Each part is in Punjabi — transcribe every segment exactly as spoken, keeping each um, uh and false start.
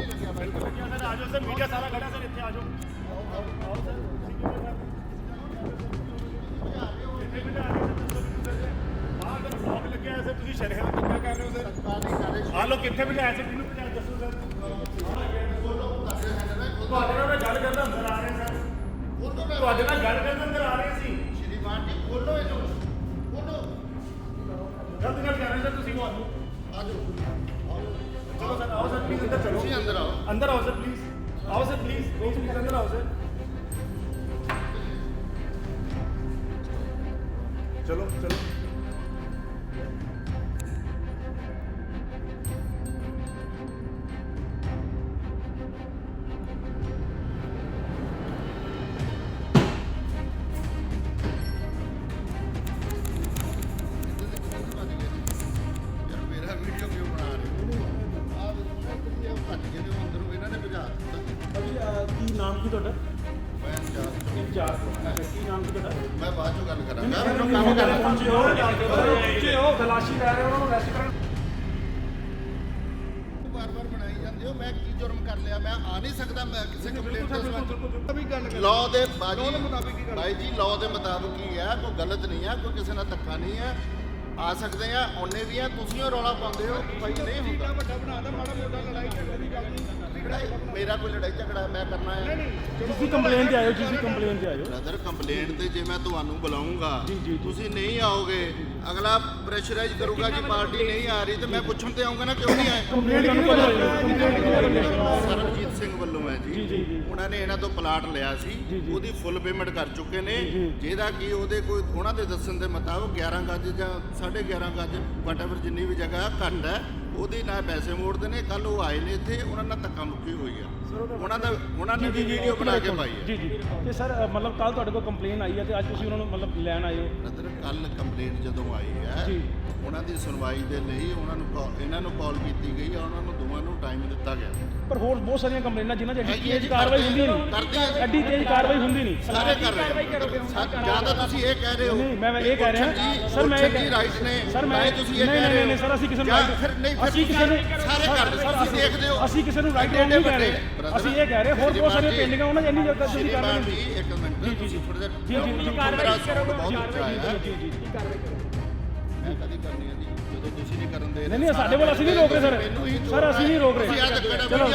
ਲੱਗਿਆ ਬਾਈ ਸਰ ਆ ਜਾਓ ਸਰ ਮੀਡੀਆ ਸਾਰਾ ਖੜਾ ਸਰ ਇੱਥੇ ਆ ਜਾਓ ਆਓ ਸਰ ਕਿੱਥੇ ਬਿਠਾ ਰਹੇ ਸਰ ਆਹ ਤਾਂ ਬਲੌਗ ਲੱਗਿਆ ਸਰ ਤੁਸੀਂ ਸ਼ਰੇਆਮ ਕਿੱਦਾਂ ਕਰ ਰਹੇ ਹੋ ਸਰ ਆ ਲੋ ਕਿੱਥੇ ਬਿਠਾਇਆ ਸਰ ਕਿਹਨੂੰ ਬਿਠਾਇਆ ਦੱਸੋ ਸਰ ਤੁਹਾਡੇ ਨਾਲ ਗੱਲ ਕਰਦਾ ਅੰਦਰ ਆ ਰਹੇ ਸਰ ਤੁਹਾਡੇ ਨਾਲ ਗੱਲ ਕਰਨ ਅੰਦਰ ਆ ਰਹੇ ਸੀ ਸ਼੍ਰੀਮਾਨ ਜੀ ਬੋਲੋ ਇਹਨੂੰ ਬੋਲੋ ਗਲਤ ਗੱਲ ਕਰ ਰਹੇ ਸਰ ਤੁਸੀਂ ਤੁਹਾਨੂੰ ਆ ਜਾਓ ਚਲੋ ਸਰ ਆਓ ਸਰ ਪਲੀਜ਼ ਅੰਦਰ ਚਲੋ ਤੁਸੀਂ ਅੰਦਰ ਆਓ ਅੰਦਰ ਆਓ ਸਰ ਪਲੀਜ਼ ਆਓ ਸਰ ਪਲੀਜ਼ ਪਲੀਜ਼ ਅੰਦਰ ਆਓ ਸਰ ਚਲੋ ਚਲੋ ਕੀ ਨਾਮ ਕੀ ਤੁਹਾਡਾ ਮੈਂ ਇੰਚਾਰਜ ਇੰਚਾਰਜ ਕੀ ਨਾਮ ਕੀ ਤੁਹਾਡਾ ਮੈਂ ਬਾਅਦ ਚੋਂ ਗੱਲ ਕਰਾਂਗਾ ਮੈਨੂੰ ਕੰਮ ਕਰਨਾ ਪਹੁੰਚੇ ਹੋ ਤਲਾਸ਼ੀ ਲੈ ਰਹੇ ਉਹਨਾਂ ਨੂੰ ਅਰੈਸਟ ਕਰਨ ਬਾਰ-ਬਾਰ ਬਣਾਈ ਜਾਂਦੇ ਹੋ ਮੈਂ ਕੀ ਜੁਰਮ ਕਰ ਲਿਆ ਮੈਂ ਆ ਨਹੀਂ ਸਕਦਾ ਮੈਂ ਕਿਸੇ ਕੰਪਲੇਂਟ ਦੇ ਸੰਬੰਧ ਵੀ ਗੱਲ ਕਰ ਲਾਅ ਦੇ ਬਾਜੀ ਭਾਈ ਜੀ ਲਾਅ ਦੇ ਮੁਤਾਬਕ ਹੀ ਹੈ ਕੋਈ ਗਲਤ ਨਹੀਂ ਹੈ ਕੋਈ ਕਿਸੇ ਨਾਲ ਧੱਕਾ ਨਹੀਂ ਹੈ ਆ ਸਕਦੇ ਆ ਉਹਨੇ ਵੀ ਆ ਤੁਸੀਂ ਉਹ ਰੌਲਾ ਪਾਉਂਦੇ ਹੋ ਭਾਈ ਨਹੀਂ ਹੁੰਦਾ ਵੱਡਾ ਬਣਾਦਾ ਮਾੜਾ ਮੋਟਾ ਲੜਾਈ ਝਗੜੇ ਦੀ ਗੱਲ ਨਹੀਂ ਮੇਰਾ ਕੋਈ ਲੜਾਈ ਝਗੜਾ ਮੈਂ ਕਰਨਾ ਹੈ ਤੁਸੀਂ ਕੰਪਲੇਂਟ ਤੇ ਆਇਓ ਤੁਸੀਂ ਕੰਪਲੇਂਟ ਤੇ ਆਇਓ ਬ੍ਰਦਰ ਕੰਪਲੇਂਟ ਤੇ ਜੇ ਮੈਂ ਤੁਹਾਨੂੰ ਬੁਲਾਉਂਗਾ ਤੁਸੀਂ ਨਹੀਂ ਆਓਗੇ ਅਗਲਾ ਪ੍ਰੈਸ਼ਰਾਈਜ਼ ਕਰੂਗਾ ਜੀ ਪਾਰਟੀ ਨਹੀਂ ਆ ਰਹੀ ਤੇ ਮੈਂ ਪੁੱਛਣ ਤੇ ਆਉਂਗਾ ਨਾ ਕਿਉਂ ਨਹੀਂ ਆਏ ਸਰਬਜੀਤ ਸਿੰਘ ਵੱਲੋਂ ਹੈ ਜੀ ਉਹਨਾਂ ਨੇ ਇਹਨਾਂ ਤੋਂ ਪਲਾਟ ਲਿਆ ਸੀ ਉਹਦੀ ਫੁੱਲ ਪੇਮੈਂਟ ਕਰ ਚੁੱਕੇ ਨੇ ਜਿਹਦਾ ਕਿ ਉਹਦੇ ਕੋਈ ਉਹਨਾਂ ਦੇ ਦੱਸਣ ਦੇ ਮੁਤਾਬਕ ਗਿਆਰਾਂ ਗੱਜ ਜਾਂ ਸਾਢੇ ਗਿਆਰਾਂ ਗੱਜ ਵਟਐਵਰ ਜਿੰਨੀ ਵੀ ਜਗ੍ਹਾ ਘੱਟ ਹੈ ਉਹਦੇ ਨਾਲ ਪੈਸੇ ਮੋੜਦੇ ਨੇ ਕੱਲ ਉਹ ਆਏ ਨੇ ਇੱਥੇ ਉਹਨਾਂ ਨਾਲ ਧੱਕਾ ਮੁੱਕੀ ਹੋਈ ਆ ਉਹਨਾਂ ਦਾ ਉਹਨਾਂ ਨੇ ਵੀ ਵੀਡੀਓ ਬਣਾ ਕੇ ਪਾਈ ਹੈ ਜੀ ਜੀ ਤੇ ਸਰ ਮਤਲਬ ਕੱਲ ਤੁਹਾਡੇ ਕੋਲ ਕੰਪਲੇਨ ਆਈ ਹੈ ਤੇ ਅੱਜ ਤੁਸੀਂ ਉਹਨਾਂ ਨੂੰ ਮਤਲਬ ਲੈਣ ਆਏ ਹੋ ਬ੍ਰਦਰ ਕੱਲ ਕੰਪਲੇਂਟ ਜਦੋਂ ਆਈ ਹੈ ਉਹਨਾਂ ਦੀ ਸੁਣਵਾਈ ਦੇ ਲਈ ਉਹਨਾਂ ਨੂੰ ਇਹਨਾਂ ਨੂੰ ਕਾਲ ਕੀਤੀ ਗਈ ਆ ਉਹਨਾਂ ਨੂੰ ਦੋਵਾਂ ਨੂੰ ਟਾਈਮ ਦਿੱਤਾ ਗਿਆ ਪਰ ਹੋਰ ਬਹੁਤ ਸਾਰੀਆਂ ਕੰਪਲੇਨਾਂ ਜਿਨ੍ਹਾਂ 'ਚ ਐਡੀ ਤੇਜ਼ ਕਾਰਵਾਈ ਹੁੰਦੀ ਨਹੀਂ ਐਡੀ ਤੇਜ਼ ਕਾਰਵਾਈ ਹੁੰਦੀ ਨਹੀਂ ਸਾਰੇ ਕਰ ਰਹੇ ਜਿਆਦਾ ਤੁਸੀਂ ਇਹ ਕਹਿ ਰਹੇ ਹੋ ਨਹੀਂ ਮੈਂ ਇਹ ਕਹਿ ਰਿਹਾ ਸਰ ਮੈਂ ਇਹ ਰਾਈਟ ਨੇ ਸਰ ਮੈਂ ਤੁਸੀਂ ਇਹ ਕਹਿ ਰਹੇ ਹੋ ਸਰ ਅਸੀਂ ਕਿਸੇ ਨੂੰ ਫਿਰ ਨਹੀਂ ਅਸੀਂ ਕਿਸੇ ਨੂੰ ਸਾਰੇ ਕਰਦੇ ਤੁਸੀਂ ਦੇਖਦੇ ਹੋ ਅਸੀਂ ਕਿਸੇ ਨੂੰ ਰਾਈਟ ਨਹੀਂ ਕਹਿ ਰਹੇ ਅਸੀਂ ਇਹ ਕਹਿ ਰਹੇ ਹੋਰ ਬਹੁਤ ਸਾਰੀਆਂ ਪੇਂਡਿੰਗਾਂ ਉਹਨਾਂ 'ਚ ਇੰਨੀ ਜਲਦੀ ਤੁਸੀਂ ਕਰ ਰਹੇ ਹੋ ਇੱਕ ਮਿੰਟ ਜੀ ਜੀ ਥੋੜਾ ਜਿਹਾ ਜੀ ਜੀ ਕਾਰਵਾਈ ਕਰੋਗੇ ਜੀ ਜੀ ਜੀ ਕਾਰਵਾਈ ਕਰੋ ਮੈਂ ਕਦੀ ਕਰਨੀ ਹੈ ਜੀ ਜਦੋਂ ਤੁਸੀਂ ਨਹੀਂ ਕਰਨ ਦੇ ਨਹੀਂ ਨਹੀਂ ਸਾਡੇ ਵੱਲ ਅਸੀਂ ਨਹੀਂ ਰੋਕ ਰਹੇ ਸਰ ਸਰ ਅਸੀਂ ਨਹੀਂ ਰੋਕ ਰਹੇ ਚਲੋ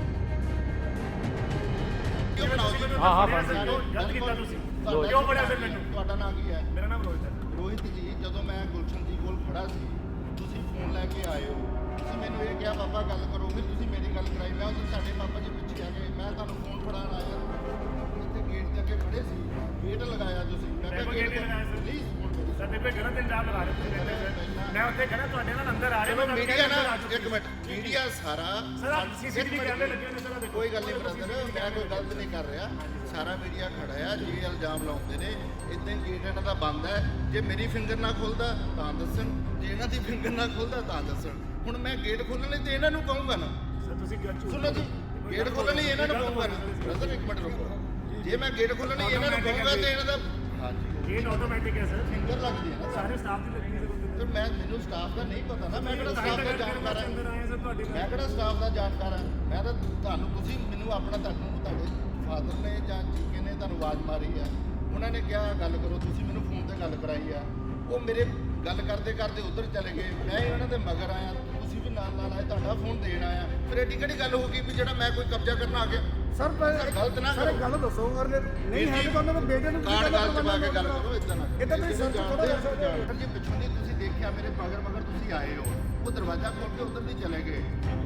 ਹਾਂ ਹਾਂ ਬਸ ਗਲਤ ਕੀਤਾ ਤੁਸੀਂ ਕਿਉਂ ਬੜਿਆ ਫਿਰ ਮੈਨੂੰ ਤੁਹਾਡਾ ਨਾਮ ਕੀ ਹੈ ਮੇਰਾ ਨਾਮ ਰੋਹਿਤ ਹੈ ਰੋਹਿਤ ਜੀ ਜਦੋਂ ਮੈਂ ਗੁਲਸ਼ਨ ਜੀ ਕੋਲ ਖੜਾ ਸੀ ਤੁਸੀਂ ਫੋਨ ਲੈ ਕੇ ਆਏ ਹੋ ਤੁਸੀਂ ਮੈਨੂੰ ਇਹ ਕਿਹਾ ਪਾਪਾ ਗੱਲ ਕਰੋ ਫਿਰ ਤੁਸੀਂ ਮੇਰੀ ਗੱਲ ਕਰਾਈ ਮੈਂ ਉਦੋਂ ਸਾਡੇ ਪਾਪਾ ਜੀ ਪਿੱਛੇ ਆ ਗਏ ਮੈਂ ਤੁਹਾਨੂੰ ਫੋਨ ਫੜਾਉਣ ਆਇਆ ਇੱਥੇ ਗੇਟ ਦੇ ਅੱਗੇ ਖੜੇ ਸੀ ਗੇਟ ਲਗਾਇਆ ਤੁਸੀਂ ਮੈਂ ਕਿਹਾ ਗੇਟ ਲਗਾਇਆ ਸਰ ਪਲੀਜ਼ ਸਰ ਤੇ ਗਲਤ ਇਲਜ਼ਾਮ ਲਾ ਰਹੇ ਤੁਸੀਂ ਮੈਂ ਉੱਥੇ ਖੜਾ ਤੁਹਾਡੇ ਨਾਲ ਅੰਦਰ ਆ ਰਿਹਾ ਮੈਂ ਮੀਡੀਆ ਨਾ ਇੱਕ ਮਿੰਟ ਮੀਡੀਆ ਸਾਰਾ ਸਰ ਸੀਸੀਟੀਵੀ ਕੈਮਰੇ ਲੱਗੇ ਹੋਏ ਨੇ ਸਰ ਕੋਈ ਗੱਲ ਨਹੀਂ ਬ੍ਰਦਰ ਮੈਂ ਕੋਈ ਗਲਤ ਨਹੀਂ ਕਰ ਰਿਹਾ ਸਾਰਾ ਮੀਡੀਆ ਖੜਾ ਆ ਜੀ ਇਲਜ਼ਾਮ ਲਾਉਂਦੇ ਨੇ ਇਦਾਂ ਹੀ ਗੇਟ ਇਹਨਾਂ ਦਾ ਬੰਦ ਹੈ ਜੇ ਮੇਰੀ ਫਿੰਗਰ ਨਾ ਖੁੱਲਦਾ ਤਾਂ ਦੱਸਣ ਜੇ ਇਹਨਾਂ ਦੀ ਫਿੰਗਰ ਨਾ ਖੁੱਲਦਾ ਤਾਂ ਦੱਸਣ ਹੁਣ ਮੈਂ ਗੇਟ ਖੋਲਣ ਲਈ ਤੇ ਇਹਨਾਂ ਨੂੰ ਕਹੂੰਗਾ ਨਾ ਸਰ ਤੁਸੀਂ ਸੁਣੋ ਜੀ ਗੇਟ ਖੋਲਣ ਲਈ ਇਹਨਾਂ ਨੂੰ ਕਹੂੰਗਾ ਨਾ ਬ੍ਰਦਰ ਇੱਕ ਮਿੰਟ ਰੁਕੋ ਜੇ ਮੈਂ ਗੇਟ ਖੋਲਣ ਲਈ ਇਹਨਾਂ ਨੂੰ ਕਹੂੰਗਾ ਤੇ ਇਹਨਾਂ ਦਾ ਹਾਂਜੀ ਗੇਟ ਆਟੋਮੈਟਿਕ ਹੈ ਸਰ ਫਿੰਗਰ ਲੱਗਦੀ ਹੈ ਨਾ ਸਾਰੇ ਸਟਾਫ ਦੀ ਲੱਗੀ ਤੇ ਮੈਂ ਮੈਨੂੰ ਸਟਾਫ ਦਾ ਨਹੀਂ ਪਤਾ ਨਾ ਮੈਂ ਕਿਹੜਾ ਸਟਾਫ ਦਾ ਜਾਣਕਾਰ ਹਾਂ ਮੈਂ ਕਿਹੜਾ ਸਟਾਫ ਦਾ ਜਾਣਕਾਰ ਹਾਂ ਮੈਂ ਤਾਂ ਤੁਹਾਨੂੰ ਤੁਸੀਂ ਮੈਨੂੰ ਆਪਣਾ ਤੁਹਾਨੂੰ ਤੁਹਾਡੇ ਫਾਦਰ ਨੇ ਜਾਂ ਜੀਕੇ ਨੇ ਤੁਹਾਨੂੰ ਆਵਾਜ਼ ਮਾਰੀ ਆ ਉਹਨਾਂ ਨੇ ਕਿਹਾ ਗੱਲ ਕਰੋ ਤੁਸੀਂ ਮੈਨੂੰ ਫੋਨ ਤੇ ਗੱਲ ਕਰਾਈ ਆ ਉਹ ਮੇਰੇ ਗੱਲ ਕਰਦੇ ਕਰਦੇ ਉੱਧਰ ਚਲੇ ਗਏ ਮੈਂ ਇਹਨਾਂ ਦੇ ਮਗਰ ਆਇਆ ਤੁਸੀਂ ਵੀ ਨਾਲ ਨਾਲ ਆਏ ਤੁਹਾਡਾ ਫੋਨ ਦੇਣ ਆਇਆ ਫਿਰ ਐਡੀ ਕਿਹੜੀ ਗੱਲ ਹੋ ਗਈ ਵੀ ਜਿਹੜਾ ਮੈਂ ਕੋਈ ਕਬਜ਼ਾ ਕਰਨ ਆ ਗਿਆ ਸਰ ਗਲਤ ਨਾ ਸਰ ਗੱਲ ਦੱਸੋ ਅਗਰ ਨਹੀਂ ਹੈ ਤਾਂ ਉਹਨਾਂ ਦੇ ਬੇਟੇ ਨੂੰ ਕਾਰਡ ਗੱਲ ਚ ਪਾ ਕੇ ਗੱਲ ਕਰੋ ਇਦਾਂ ਨਾ ਇਦਾਂ ਤੁਸੀਂ ਸਰ ਥੋੜਾ ਸਰ ਜੀ ਪਿੱਛੋਂ ਦੀ ਤੁਸੀਂ ਦੇਖਿਆ ਮੇਰੇ ਮਗਰ ਮਗਰ ਤੁਸੀਂ ਆਏ ਹੋ ਉਹ ਦਰਵਾਜ਼ਾ ਖੋਲ ਕੇ ਉੱਧਰ ਦੀ ਚਲੇ ਗਏ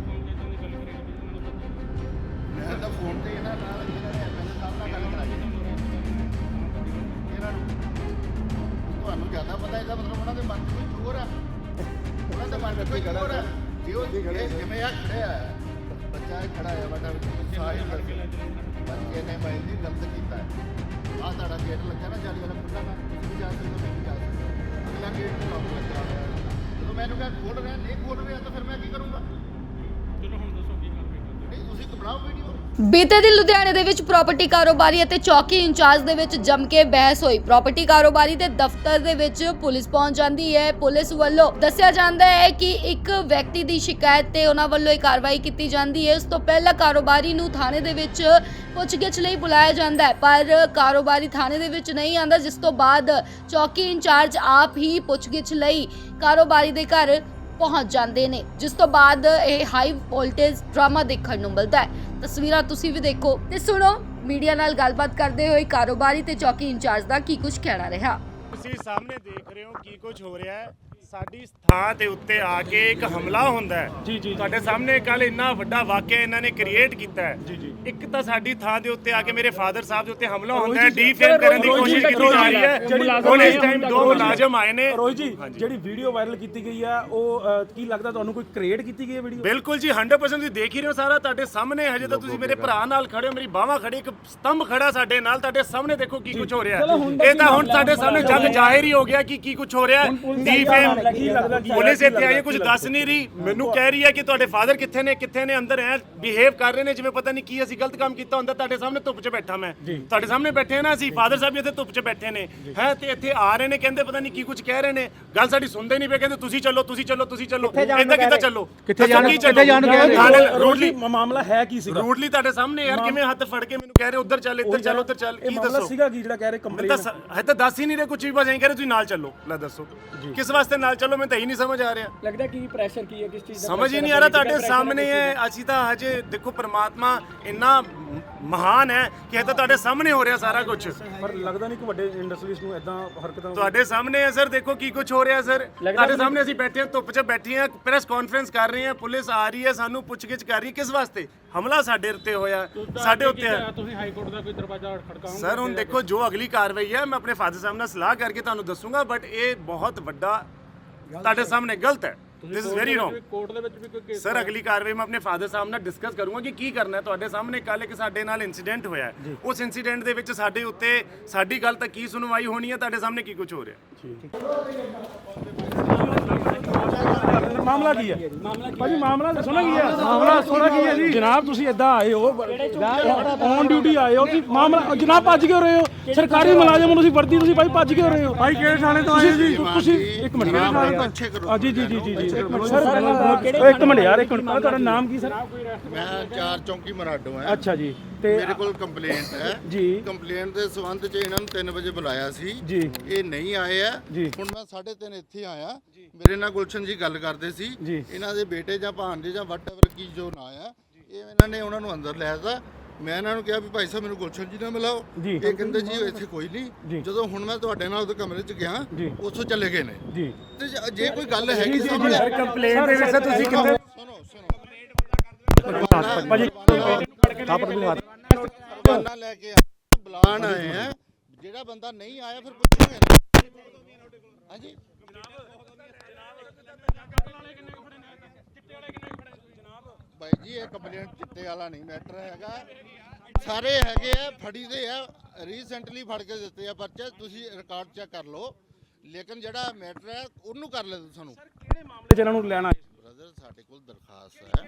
ਮੈਂ ਤਾਂ ਫੋਨ ਤੇ ਇਹਨਾਂ ਨਾਲ ਇਹਨਾਂ ਨੇ ਐਮਐਲਏ ਸਾਹਿਬ ਨਾਲ ਗੱਲ ਕਰਾਈ ਇਹਨਾਂ ਨੂੰ ਤੁਹਾਨੂੰ ਜ਼ਿਆਦਾ ਪਤਾ ਇਹਦਾ ਮਤਲਬ ਉਹਨਾਂ ਦੇ ਮਨ 'ਚ ਕੋਈ ਜ਼ੋਰ ਆ ਉਹਨਾਂ ਦੇ ਮਨ 'ਚ ਕੋਈ ਜ਼ੋਰ ਆ ਜੇ ਉਹ ਜਿਵੇਂ ਆ ਖੜਿਆ ਬੱਚਾ ਇਹ ਖੜਾ ਹੈ ਬਟਾ ਸਾਰੇ ਲੜਕੇ ਬੱਚੇ ਨੇ ਮੈਂ ਜੀ ਗਲਤ ਕੀਤਾ ਆਹ ਤੁਹਾਡਾ ਗੇਟ ਲੱਗਿਆ ਨਾ ਜਾਲੀ ਵਾਲਾ ਖੁੱਲ੍ਹਾ ਨਾ ਤੁਸੀਂ ਜਾ ਸਕਦੇ ਹੋ ਮੈਂ ਵੀ ਜਾ ਸਕਦਾ ਅਗਲਾ ਗੇਟ ਨੂੰ ਲੌਕ ਲੱਗਾ ਹੋਇਆ ਜਦੋਂ ਮੈਨੂੰ ਕਿਹਾ ਖੋਲ ਰਿਹਾ ਨਹੀਂ ਖੋਲ ਰਿਹਾ ਤਾਂ ਫਿਰ ਮੈਂ ਕੀ ਕਰੂੰਗਾ ਚਲੋ ਹੁਣ ਦੱਸੋ ਕੀ ਕਾਰਵਾਈ ਕਰਦੇ ਨਹੀਂ ਤੁਸੀਂ ਬਣਾਓ ਵੀਡੀਓ ਬੀਤੇ ਦਿਨ ਲੁਧਿਆਣੇ ਦੇ ਵਿੱਚ ਪ੍ਰਾਪਰਟੀ ਕਾਰੋਬਾਰੀ ਅਤੇ ਚੌਕੀ ਇੰਚਾਰਜ ਦੇ ਵਿੱਚ ਜੰਮ ਕੇ ਬਹਿਸ ਹੋਈ। ਪ੍ਰਾਪਰਟੀ ਕਾਰੋਬਾਰੀ ਦੇ ਦਫ਼ਤਰ ਦੇ ਵਿੱਚ ਪੁਲਿਸ ਪਹੁੰਚ ਜਾਂਦੀ ਹੈ। ਪੁਲਿਸ ਵੱਲੋਂ ਦੱਸਿਆ ਜਾਂਦਾ ਹੈ ਕਿ ਇੱਕ ਵਿਅਕਤੀ ਦੀ ਸ਼ਿਕਾਇਤ ਤੇ ਉਹਨਾਂ ਵੱਲੋਂ ਇਹ ਕਾਰਵਾਈ ਕੀਤੀ ਜਾਂਦੀ ਹੈ। ਉਸ ਤੋਂ ਪਹਿਲਾਂ ਕਾਰੋਬਾਰੀ ਨੂੰ ਥਾਣੇ ਦੇ ਵਿੱਚ ਪੁੱਛਗਿੱਛ ਲਈ ਬੁਲਾਇਆ ਜਾਂਦਾ ਹੈ, ਪਰ ਕਾਰੋਬਾਰੀ ਥਾਣੇ ਦੇ ਵਿੱਚ ਨਹੀਂ ਆਉਂਦਾ, ਜਿਸ ਤੋਂ ਬਾਅਦ ਚੌਕੀ ਇੰਚਾਰਜ ਆਪ ਹੀ ਪੁੱਛਗਿੱਛ ਲਈ ਕਾਰੋਬਾਰੀ ਦੇ ਘਰ ਪਹੁੰਚ ਜਾਂਦੇ ਨੇ, ਜਿਸ ਤੋਂ ਬਾਅਦ ਇਹ ਹਾਈ ਵੋਲਟੇਜ ਡਰਾਮਾ ਦੇਖਣ ਨੂੰ ਮਿਲਦਾ ਹੈ। ਤਸਵੀਰਾਂ ਤੁਸੀਂ ਵੀ ਦੇਖੋ ਤੇ ਸੁਣੋ। ਮੀਡੀਆ ਨਾਲ ਗੱਲਬਾਤ ਕਰਦੇ ਹੋਏ ਕਾਰੋਬਾਰੀ ਤੇ ਚੌਕੀ ਇੰਚਾਰਜ ਦਾ ਕੀ ਕੁਝ ਕਹਿਣਾ ਰਿਹਾ। ਤੁਸੀਂ ਸਾਹਮਣੇ ਦੇਖ ਰਹੇ ਹੋ ਕੀ ਕੁਝ ਹੋ ਰਿਹਾ ਹੈ। ਸਾਡੀ ਥਾਂ ਦੇ ਉੱਤੇ ਆ ਕੇ ਇੱਕ ਹਮਲਾ ਹੁੰਦਾ ਹੈ। ਜੀ ਜੀ ਤੁਹਾਡੇ ਸਾਹਮਣੇ ਕੱਲ ਇੰਨਾ ਵੱਡਾ ਵਾਕਿਆ ਇਹਨਾਂ ਨੇ ਕ੍ਰੀਏਟ ਕੀਤਾ ਹੈ। ਜੀ ਜੀ ਇੱਕ ਤਾਂ ਸਾਡੀ ਥਾਂ ਦੇ ਉੱਤੇ ਆ ਕੇ ਮੇਰੇ ਫਾਦਰ ਸਾਹਿਬ ਦੇ ਉੱਤੇ ਹਮਲਾ ਹੁੰਦਾ ਹੈ, ਰੋਹਿਤ ਜੀ, ਡੀਫੇਮ ਕਰਨ ਦੀ ਰੋਹਿਤ ਜੀ, ਕੋਸ਼ਿਸ਼ ਕੀਤੀ ਰੋਹਿਤ ਜਾ ਜੀ, ਰਹੀ ਹੈ। ਜਿਹੜੀ ਹੁਣ ਇਸ ਟਾਈਮ ਦੋ ਮੁਲਾਜ਼ਮ ਆਏ ਨੇ। ਰੋਹਿਤ ਜੀ, ਜਿਹੜੀ ਵੀਡੀਓ ਵਾਇਰਲ ਕੀਤੀ ਗਈ ਆ ਉਹ ਅ, ਕੀ ਲੱਗਦਾ ਤੁਹਾਨੂੰ ਕੋਈ ਕ੍ਰੀਏਟ ਕੀਤੀ ਗਈ ਹੈ ਵੀਡੀਓ? ਬਿਲਕੁਲ ਜੀ ਹੰਡਰਡ ਪਰਸੈਂਟ ਤੁਸੀਂ ਦੇਖ ਹੀ ਰਹੇ ਹੋ ਸਾਰਾ ਤੁਹਾਡੇ ਸਾਹਮਣੇ। ਹਜੇ ਤਾਂ ਤੁਸੀਂ ਮੇਰੇ ਭਰਾ ਨਾਲ ਖੜੇ ਹੋ, ਮੇਰੀ ਬਾਹਾਂ ਖੜੀ, ਇੱਕ ਸਤੰਭ ਖੜਾ ਸਾਡੇ ਨਾਲ, ਤੁਹਾਡੇ ਸਾਹਮਣੇ ਦੇਖੋ ਕੀ ਕੁਝ ਹੋ ਰਿਹਾ ਹੈ। ਇਹ ਤਾਂ ਹੁਣ ਸਾਡੇ ਸਾਹਮਣੇ ਜੱਗ ਜ਼ਾਹਿਰ ਹੀ ਹੋ ਗਿਆ ਕਿ ਕੀ ਕੁਝ ਹੋ ਰਿਹਾ ਹੈ। ਡੀਫੇਮ ਕੀ ਲੱਗਦਾ ਕੀ ਪੁਲਿਸ ਇੱਥੇ ਆਈ ਹੈ, ਕੁਝ ਦੱਸ ਨਹੀਂ ਰਹੀ। ਮੈਨੂੰ ਕਹਿ ਰਹੀ ਹੈ ਕਿ ਤੁਹਾਡੇ ਫਾਦਰ ਕਿੱਥੇ ਨੇ ਕਿੱਥੇ ਨੇ ਅੰਦਰ ਹੈ, ਬਿਹੇਵ ਕਰ ਰਹੇ ਨੇ ਜਿਵੇਂ ਪਤਾ ਨਹੀਂ ਕੀ ਅਸੀਂ ਗਲਤ ਕੰਮ ਕੀਤਾ ਹੁੰਦਾ। ਤੁਹਾਡੇ ਸਾਹਮਣੇ ਧੁੱਪ 'ਚ ਬੈਠਾ ਮੈਂ, ਤੁਹਾਡੇ ਸਾਹਮਣੇ ਬੈਠੇ ਨਾ ਅਸੀਂ, ਫਾਦਰ ਸਾਹਿਬ ਵੀ ਇੱਥੇ ਧੁੱਪ 'ਚ ਬੈਠੇ ਨੇ ਹੈ, ਤੇ ਇੱਥੇ ਆ ਰਹੇ ਨੇ, ਕਹਿੰਦੇ ਪਤਾ ਨਹੀਂ ਕੀ ਕੁਝ ਕਹਿ ਰਹੇ ਨੇ, ਗੱਲ ਸਾਡੀ ਸੁਣਦੇ ਨਹੀਂ ਪਏ, ਕਹਿੰਦੇ ਤੁਸੀਂ ਚੱਲੋ ਤੁਸੀਂ ਚੱਲੋ ਤੁਸੀਂ ਚੱਲੋ। ਇੱਦਾਂ ਕਿੱਦਾਂ ਚੱਲੋ, ਕਿੱਥੇ ਜਾਣ ਕਿੱਥੇ ਜਾਣ ਰੂਡਲੀ ਮਾਮਲਾ ਹੈ ਕੀ ਸੀਗਾ? ਰੂਡਲੀ ਤੁਹਾਡੇ ਸਾਹਮਣੇ ਯਾਰ ਕਿਵੇਂ ਹੱਥ ਫੜ ਕੇ ਮੈਨੂੰ ਕਹਿ ਰਹੇ ਉੱਧਰ ਚੱਲ ਇੱਧਰ ਚੱਲ ਉੱਧਰ ਚੱਲ, ਕੀ ਦੱਸੋ ਸੀਗਾ ਕੀ ਜਿਹੜਾ ਕਹਿ ਰਹੇ ਮੈਂ ਕੰਪਲੇਂਟ? ਤਾਂ ਹੈ ਤਾਂ ਦੱਸ ਹੀ ਨਹੀਂ ਰਹੇ ਕੁਝ ਵੀ, ਬਸ ਐਂ ਕਹਿ ਰਹੇ ਤੁਸੀਂ ਨਾਲ ਚੱਲੋ। ਲੈ ਦੱਸੋ ਕਿਸ ਵਾਸਤੇ ਨਾਲ ਚੱਲੋ, ਮੈਨੂੰ ਤਾਂ ਹੀ ਨਹੀਂ ਸਮਝ ਆ ਰਿਹਾ। ਲੱਗਦਾ ਕੀ ਪ੍ਰੈਸ਼ਰ ਕੀ ਹੈ, ਕਿਸ ਚੀਜ਼ ਦਾ ਸਮਝ ਹੀ ਨਹੀਂ ਆ ਰਿਹਾ। ਤੁਹਾਡੇ ਸਾਹਮਣੇ ਹੈ, ਅਸੀਂ ਤਾਂ ਹਜੇ ਦੇਖੋ ਪ੍ਰਮਾਤਮਾ ਇੰਨਾ ਮਹਾਨ ਹੈ ਕਿ ਇਹ ਤਾਂ ਤੁਹਾਡੇ ਸਾਹਮਣੇ ਹੋ ਰਿਹਾ ਸਾਰਾ ਕੁਝ। ਪਰ ਲੱਗਦਾ ਨਹੀਂ ਕਿ ਵੱਡੇ ਇੰਡਸਟਰੀਜ਼ ਨੂੰ ਇਦਾਂ ਹਰਕਤਾਂ ਤੁਹਾਡੇ ਸਾਹਮਣੇ ਹੈ ਸਰ, ਦੇਖੋ ਕੀ ਕੁਝ ਹੋ ਰਿਹਾ ਸਰ। ਤੁਹਾਡੇ ਸਾਹਮਣੇ ਅਸੀਂ ਬੈਠੇ ਹਾਂ, ਧੁੱਪ 'ਚ ਬੈਠੇ ਹਾਂ, ਪ੍ਰੈਸ ਕਾਨਫਰੰਸ ਕਰ ਰਹੇ ਹਾਂ, ਪੁਲਿਸ ਆ ਰਹੀ ਹੈ, ਸਾਨੂੰ ਪੁੱਛਗਿੱਛ ਕਰ ਰਹੀ ਹੈ। ਕਿਸ ਵਾਸਤੇ? ਹਮਲਾ ਸਾਡੇ ਉੱਤੇ ਹੋਇਆ, ਸਾਡੇ ਉੱਤੇ ਹੈ। ਤੁਸੀਂ ਹਾਈ ਕੋਰਟ ਦਾ ਕੋਈ ਦਰਵਾਜ਼ਾ ਖੜਕਾਓਗੇ? ਸਰ ਹੁਣ ਦੇਖੋ ਜੋ ਅਗਲੀ ਕਾਰਵਾਈ ਹੈ ਮੈਂ ਆਪਣੇ ਫਾਦਰ ਸਾਹਿਬ ਨਾਲ ਸਲਾਹ ਕਰਕੇ ਤੁਹਾਨੂੰ ਦੱਸੂਗਾ, ਬਟ ਇਹ ਬਹੁਤ ਵੱਡਾ ਤੁਹਾਡੇ ਸਾਹਮਣੇ ਗਲਤ ਹੈ। This is very wrong. Court ਦੇ ਵਿੱਚ ਵੀ ਕੋਈ ਕੇਸ? ਸਰ ਅਗਲੀ ਕਾਰਵਾਈ ਮੈਂ ਆਪਣੇ ਫਾਦਰ ਸਾਹਿਬ ਨਾਲ ਡਿਸਕਸ ਕਰੂੰਗਾ ਕਿ ਕੀ ਕਰਨਾ ਹੈ। ਤੁਹਾਡੇ ਸਾਹਮਣੇ ਕੱਲ ਇੱਕ ਸਾਡੇ ਨਾਲ ਇਨਸੀਡੈਂਟ ਹੋਇਆ ਹੈ, ਉਸ ਇਨਸੀਡੈਂਟ ਦੇ ਵਿੱਚ ਸਾਡੇ ਉੱਤੇ ਸਾਡੀ ਗੱਲ ਤਾਂ ਕੀ ਸੁਣਵਾਈ ਹੋਣੀ ਹੈ, ਤੁਹਾਡੇ ਸਾਹਮਣੇ ਕੀ ਕੁਝ ਹੋ ਰਿਹਾ। ਮਾਮਲਾ ਕੀ ਹੈ ਭਾਜੀ? ਮਾਮਲਾ ਦੱਸੋ ਨਾ ਕੀ ਹੈ? ਮਾਮਲਾ ਦੱਸੋ ਕੀ ਹੈ ਜੀ? ਜਨਾਬ ਤੁਸੀਂ ਇੱਦਾਂ ਆਏ ਹੋ, ਔਨ ਡਿਊਟੀ ਆਏ ਹੋ ਕਿ ਮਾਮਲਾ? ਜਨਾਬ ਭੱਜ ਕਿਉਂ ਰਹੇ ਹੋ? ਸਰਕਾਰੀ ਮੁਲਾਜ਼ਮ ਨੂੰ ਤੁਸੀਂ ਵਰਦੀ, ਤੁਸੀਂ ਭਾਈ ਭੱਜ ਕਿਉਂ ਰਹੇ ਹੋ? ਭਾਈ ਕਿਹੜੇ ਥਾਣੇ ਤੋਂ ਆਏ ਜੀ ਤੁਸੀਂ? ਇੱਕ ਮਿੰਟ ਜੀ ਜੀ ਜੀ ਜੀ ਜੀ ਸਰ ਇੱਕ ਮਿੰਟ ਯਾਰ, ਇੱਕ ਮਿੰਟ। ਤੁਹਾਡਾ ਨਾਮ ਕੀ ਸਰ? ਮੈਂ ਚਾਰ ਚੌਂਕੀ ਮਰਾਡੋ ਹਾਂ। ਅੱਛਾ ਜੀ, ਤੇ ਮੇਰੇ ਕੋਲ ਕੰਪਲੇਂਟ ਹੈ ਜੀ। ਕੰਪਲੇਂਟ ਦੇ ਸੰਬੰਧ 'ਚ ਇਹਨਾਂ ਨੂੰ ਤਿੰਨ ਵਜੇ ਬੁਲਾਇਆ ਸੀ ਜੀ। ਇਹ ਨਹੀਂ ਆਏ ਆ। ਜੀ। ਹੁਣ ਮੈਂ ਸਾਢੇ ਤਿੰਨ ਇੱਥੇ ਆਇਆ, ਮੇਰੇ ਨਾਲ ਗੁਲਸ਼ਨ ਜੀ ਗੱਲ ਕਰਦੇ ਸੀ। ਜੀ। ਇਹਨਾਂ ਦੇ ਬੇਟੇ ਜਾਂ ਭਾਣਜੇ ਜਾਂ ਵਟਐਵਰ ਕੀ ਜੋ ਨਾਂ ਆ, ਇਹ ਇਹਨਾਂ ਨੇ ਉਹਨਾਂ ਨੂੰ ਅੰਦਰ ਲੈ ਦਿੱਤਾ। ਮੈਂ ਇਹਨਾਂ ਨੂੰ ਕਿਹਾ ਵੀ ਭਾਈ ਸਾਹਿਬ ਮੈਨੂੰ ਗੁਲਸ਼ਨ ਜੀ ਨਾਲ ਮਿਲਾਓ। ਜੀ। ਇਹ ਕਹਿੰਦੇ ਜੀ ਇੱਥੇ ਕੋਈ ਨਹੀਂ। ਜਦੋਂ ਹੁਣ ਮੈਂ ਤੁਹਾਡੇ ਨਾਲ ਉਹਦੇ ਕਮਰੇ 'ਚ ਗਿਆ, ਉੱਥੋਂ ਚਲੇ ਗਏ ਨੇ। ਜੀ। ਤੇ ਜੇ- ਜੇ ਕੋਈ ਗੱਲ ਹੈਗੀ ਸਾਹਮਣੇ ਕੰਪਲੇਂਟ ਦੇ ਵਿੱਚ ਤੁਸੀਂ ਕਿੰਨੇ ਸੁਣੋ ਸੁਣੋ ਭਾਜੀ ਬਹਾਨਾ ਲੈ ਕੇ ਬੁਲਾਣ ਆਏ ਆ। ਜਿਹੜਾ ਬੰਦਾ ਨਹੀਂ ਆਇਆ ਫਿਰ ਪੁੱਛੋਗੇ ਨਾ। ਹਾਂਜੀ ਭਾਈ ਜੀ ਇਹ ਕੰਪਲੇਂਟ ਚਿੱਟੇ ਵਾਲਾ ਨਹੀਂ ਮੈਟਰ ਹੈਗਾ, ਸਾਰੇ ਹੈਗੇ ਆ, ਫੜੀ ਦੇ ਆ, ਰੀਸੈਂਟਲੀ ਫੜ ਕੇ ਦਿੱਤੇ ਆ ਪਰਚੇ, ਤੁਸੀਂ ਰਿਕਾਰਡ ਚੈੱਕ ਕਰ ਲਓ। ਲੇਕਿਨ ਜਿਹੜਾ ਮੈਟਰ ਹੈ ਉਹਨੂੰ ਕਰ ਲੈ ਸਾਨੂੰ। ਕਿਹੜੇ ਮਾਮਲੇ 'ਚ ਇਹਨਾਂ ਨੂੰ ਲੈਣਾ? ਬ੍ਰਦਰ ਸਾਡੇ ਕੋਲ ਦਰਖਾਸਤ ਹੈ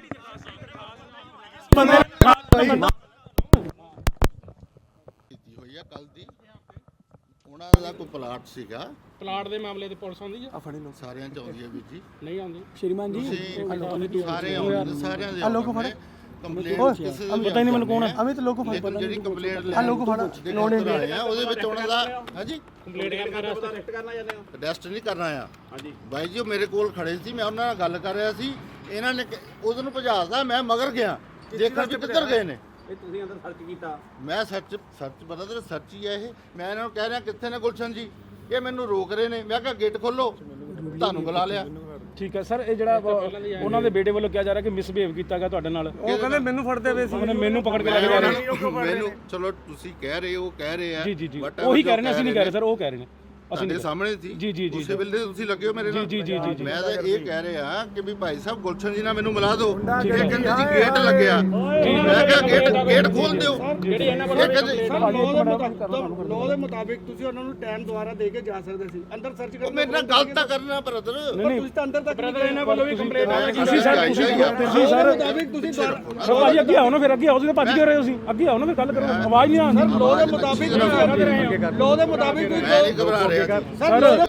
ਕੀਤੀ ਹੋਈ ਹੈ ਕੱਲ ਦੀ। ਉਹਨਾਂ ਦਾ ਕੋਈ ਪਲਾਟ ਸੀਗਾ, ਪਲਾਟ ਦੇ ਮਾਮਲੇ ਤੇ ਪੁਲਿਸ ਆਉਂਦੀ ਹੈ? ਸਾਰਿਆਂ ਚ ਆਉਂਦੀ ਹੈ ਵੀਰ ਜੀ। ਨਹੀਂ ਆਉਂਦੀ? ਸ਼੍ਰੀਮਾਨ ਜੀ ਤੁਸੀਂ ਸਾਰੇ ਆਉਂਦੇ ਨੇ, ਸਾਰਿਆਂ ਦੇ ਆਉਂਦੇ ਨੇ। ਕੰਪਲੇਂਟ ਕਿਸੇ ਦਾ ਪਤਾ ਹੀ ਨਹੀਂ ਮੈਨੂੰ ਕੌਣ ਹੈ। ਅਮਿਤ ਲੋਕ ਫੜ ਲੇਕਿਨ ਜਿਹੜੀ ਕੰਪਲੇਂਟ ਲੈ ਲੋਕ ਫੜ ਲੋੜ ਆਏ ਆ ਉਹਦੇ ਵਿੱਚ ਉਹਨਾਂ ਦਾ ਹਾਂਜੀ ਕੰਪਲੀਟ ਕਰਨਾ, ਰੈਸਟ ਕਰਨਾ ਜਾਂਦੇ ਹੋ? ਅਰੈਸਟ ਨਹੀਂ ਕਰਨਾ ਆ। ਹਾਂਜੀ ਬਾਈ ਜੀ ਉਹ ਮੇਰੇ ਕੋਲ ਖੜੇ ਸੀ, ਮੈਂ ਉਹਨਾਂ ਨਾਲ ਗੱਲ ਕਰ ਰਿਹਾ ਸੀ। ਇਹਨਾਂ ਨੇ ਉਹਨੂੰ ਭਜਾਦਾ, ਮੈਂ ਮਗਰ ਗਿਆ ਦੇਖਣ ਵੀ ਕਿੱਧਰ ਗਏ ਨੇ। ਇਹ ਤੁਸੀਂ ਅੰਦਰ ਸਰਚ ਕੀਤਾ? ਮੈਂ ਸਰਚ ਸਰਚ ਪਤਾ ਤੇ ਸਰਚ ਹੀ ਆ ਇਹ। ਮੈਂ ਇਹਨਾਂ ਨੂੰ ਕਹਿ ਰਿਹਾ ਕਿੱਥੇ ਨੇ ਗੁਲਸ਼ਨ ਜੀ, ਇਹ ਮੈਨੂੰ ਰੋਕ ਰਹੇ ਨੇ। ਮੈਂ ਕਿਹਾ ਗੇਟ ਖੋਲੋ, ਤੁਹਾਨੂੰ ਬੁਲਾ ਲਿਆ। ਠੀਕ ਹੈ ਸਰ, ਇਹ ਜਿਹੜਾ ਉਹਨਾਂ ਦੇ ਬੇਟੇ ਵੱਲੋਂ ਕਿਹਾ ਜਾ ਰਿਹਾ ਕਿ ਮਿਸਬਿਹੇਵ ਕੀਤਾ ਗਿਆ ਤੁਹਾਡੇ ਨਾਲ। ਉਹ ਕਹਿੰਦੇ ਮੈਨੂੰ ਫੜਦੇ ਪਏ ਸੀ, ਉਹਨੇ ਮੈਨੂੰ ਪਕੜ ਕੇ ਲੈ ਕੇ ਜਾ ਰਹੇ। ਮੈਨੂੰ ਚਲੋ ਤੁਸੀਂ ਕਹਿ ਰਹੇ ਹੋ, ਕਹਿ ਰਹੇ ਆ। ਜੀ ਜੀ ਜੀ ਉਹੀ ਕਹਿ ਰਹੇ ਨੇ, ਅਸੀਂ ਨਹੀਂ ਕਹਿ ਰਹੇ ਸਰ, ਉਹ ਕਹਿ ਰਹੇ ਨੇ। ਤੁਹਾਡੇ ਸਾਹਮਣੇ ਸੀ ਜੀ, ਜੀ, ਜੀ, ਉਸੇ ਵੇਲੇ ਤੁਸੀਂ ਲੱਗੇ ਹੋ ਮੇਰੇ ਨਾਲ ਜੀ, ਜੀ, ਜੀ, ਜੀ। ਮੈਂ ਤਾਂ ਇਹ ਕਹਿ ਰਿਹਾ ਕਿ ਵੀ ਭਾਈ ਸਾਹਿਬ ਗੁਲਸ਼ਨ ਜੀ ਨਾਲ ਮੈਨੂੰ ਮਿਲਾ ਦਿਓ ਇਹ ਕਹਿੰਦੇ ਜੀ ਗੇਟ ਲੱਗਿਆ ਮੈਂ ਕਿਹਾ ਗੇਟ ਗੇਟ ਖੋਲ ਦਿਓ ਜਿਹੜੀ ਇਹਨਾਂ ਇਹ ਕਹਿੰਦੇ ਲਾਅ ਦੇ ਮੁਤਾਬਿਕ ਲਾਅ ਦੇ ਮੁਤਾਬਿਕ ਤੁਸੀਂ ਉਹਨਾਂ ਨੂੰ ਟਾਈਮ ਦੁਆਰਾ ਦੇ ਕੇ ਜਾ ਸਕਦੇ ਸੀ ਅੰਦਰ ਸਰਚ ਉਹ ਕਰਨ ਮੇਰੇ ਨਾਲ ਗਲਤ ਤਾਂ ਕਰਨਾ ਬ੍ਰਦਰ ਪਰ ਤੁਸੀਂ ਤਾਂ ਅੰਦਰ ਤੱਕ ਬ੍ਰਦਰ ਇਹਨਾਂ ਵੱਲੋਂ ਵੀ ਕੰਪਲੇਂਟ ਆ ਗਈ ਤੁਸੀਂ ਸਰ ਤੁਸੀਂ ਤੁਸੀਂ ਲਾਅ ਸਰ ਦੇ ਮੁਤਾਬਿਕ ਤੁਸੀਂ ਦੁਆਰਾ ਸਰ ਭਾਜੀ ਅੱਗੇ ਆਓ ਨਾ ਫਿਰ ਅੱਗੇ ਆਓ ਤੁਸੀਂ ਤਾਂ ਭੱਜ ਕਿਉਂ ਰਹੇ ਹੋ ਤੁਸੀਂ ਅੱਗੇ ਆਓ ਨਾ ਫਿਰ ਗੱਲ ਕਰੋ ਆਵਾਜ਼ ਨਹੀਂ ਆਉਂਦੀ ਲਾਅ ਦੇ ਮੁਤਾਬਿਕ ਲਾਅ ਦੇ ਮੁਤਾਬਿਕ ਮੈਂ ਨਹੀਂ ਘਬਰਾ ਰਿਹਾ ਸਰ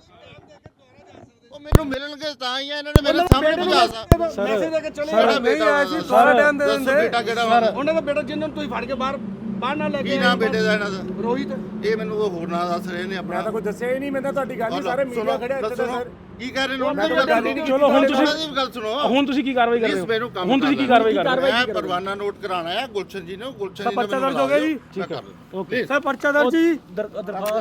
ਉਹ ਮੈਨੂੰ ਮਿਲਣਗੇ ਤਾਂ ਹੀ ਆ ਇਹਨਾਂ ਨੇ ਮੇਰੇ ਸਾਹਮਣੇ ਪਹੁੰਚਾ ਸਕਦਾ ਮੈਸੇਜ ਦੇ ਕੇ ਚਲੇ ਸਾਡਾ ਬੇਟਾ ਆਇਆ ਸੀ ਸਾਰਾ ਟਾਈਮ ਦੇ ਦੱਸੋ ਬੇਟਾ ਕਿਹੜਾ ਵਾ ਉਹਨਾਂ ਦਾ ਬੇਟਾ ਜਿਹਨੂੰ ਤੁਸੀਂ ਫੜ ਕੇ ਬਾਹਰ ਬਾਹਰ ਨਾ ਲੈ ਕੇ ਕੀ ਨਾਮ ਬੇਟੇ ਦਾ ਇਹਨਾਂ ਦਾ ਰੋਹਿਤ ਇਹ ਮੈਨੂੰ ਉਹ ਹੋਰ ਨਾਂ ਦੱਸ ਰਹੇ ਨੇ ਆਪਣਾ ਕੋਈ ਦੱਸਿਆ ਹੀ ਨਹੀਂ ਮੈਂ ਤਾਂ ਤੁਹਾਡੀ ਗੱਲ ਹੀ ਸਾਰੇ ਮੀਡੀਆ ਖੜਿਆ ਇੱਥੇ ਤਾਂ ਸਰ ਕੀ ਕਹਿ ਰਹੇ ਨੇ ਉਹਨਾਂ ਦੀ ਗੱਲ ਨਹੀਂ ਚਲੋ ਹੁਣ ਤੁਸੀਂ ਉਹਨਾਂ ਦੀ ਗੱਲ ਸੁਣੋ ਹੁਣ ਤੁਸੀਂ ਕੀ ਕਾਰਵਾਈ ਕਰ ਰਹੇ ਇਸ ਮੈਨੂੰ ਹੋ ਕੰਮ ਹੁਣ ਤੁਸੀਂ ਕੀ ਕਾਰਵਾਈ ਕਰ ਰਹੇ ਹੋ ਮੈਂ ਪਰਵਾਨਾ ਨੋਟ ਕਰਾਣਾ ਹੈ ਗੁਲਸ਼ਨ ਜੀ ਨੇ ਗੁਲਸ਼ਨ ਜੀ ਨੇ ਪਰਚਾ ਦਰਜ ਹੋ ਗਿਆ ਜੀ ਠੀਕ ਹੈ ਓਕੇ ਸਰ ਪਰਚਾ ਦਰਜ ਜੀ ਦਰਖਾਸਤ